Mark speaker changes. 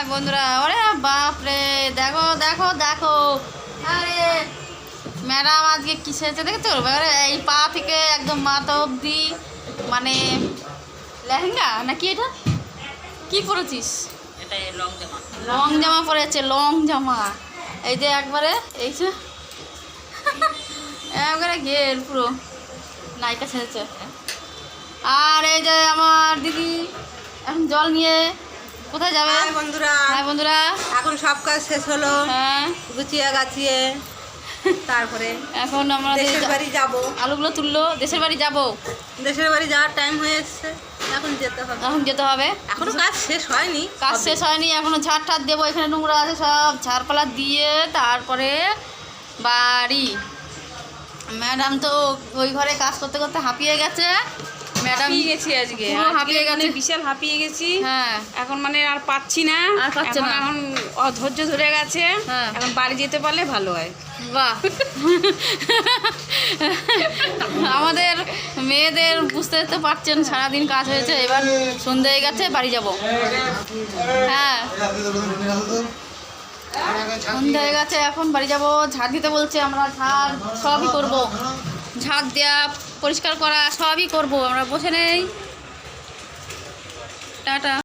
Speaker 1: বন্ধুরা, ওরে বাপরে, দেখো দেখো দেখো, আরে ম্যাডাম আজকে কি সেজেছে দেখেছো? এই পা থেকে একদম মাথা অবধি, মানে লেহেঙ্গা নাকি এটা কি পরেছিস?
Speaker 2: এটা লং জামা।
Speaker 1: লং জামা পরেছে, লং জামা। এই যে একবারে এই যে একবারে ঘের পুরো নায়িকা সেজেছে। আর এই যে আমার দিদি এখন জল নিয়ে কোথায় যাবে?
Speaker 2: হাই বন্ধুরা,
Speaker 1: হ্যাঁ বন্ধুরা,
Speaker 2: এখন সব কাজ শেষ হলো,
Speaker 1: হ্যাঁ
Speaker 2: গুছিয়ে গাছিয়ে তারপরে
Speaker 1: এখন আমরা
Speaker 2: দেশের বাড়ি যাব।
Speaker 1: আলুগুলো তুললো, দেশের বাড়ি যাব।
Speaker 2: দেশের বাড়ি যাওয়ার টাইম হয়ে এসছে, এখন যেতে হবে।
Speaker 1: এখন যেতে হবে,
Speaker 2: এখনো কাজ শেষ হয়নি,
Speaker 1: কাজ
Speaker 2: হবে।
Speaker 1: শেষ হয়নি, এখনো ঝাড় ঠাড় দেবো। এখানে নোংরা আছে, সব ঝাড়পালা দিয়ে তারপরে বাড়ি। ম্যাডাম তো ওই ঘরে কাজ করতে করতে হাঁপিয়ে গেছে। ম্যাডাম
Speaker 3: হাঁপিয়ে গেছি আজকে,
Speaker 1: পুরো হাঁপিয়ে
Speaker 3: মানে
Speaker 1: গেছে।
Speaker 3: বিশাল হাঁপিয়ে গেছি।
Speaker 1: হ্যাঁ,
Speaker 3: এখন মানে আর পাচ্ছি না,
Speaker 1: আর পাচ্ছে না।
Speaker 3: এখন অধৈর্য ধরে গেছে।
Speaker 1: হ্যাঁ।
Speaker 3: এখন বাড়ি যেতে পারলে ভালো হয়।
Speaker 1: বাহ আমাদের মেয়েদের বুঝতে তো পারছেন, সারাদিন কাজ হয়েছে, এবার সন্ধে হয়ে গেছে, বাড়ি যাব। হ্যাঁ, সন্ধে হয়ে গেছে, এখন বাড়ি যাব। ঝাড় দিতে বলছে, আমরা ঝাড় সবই করব, ঝাড় দেওয়া, পরিষ্কার করা সবই করব। আমরা বসে নেই। টাটা।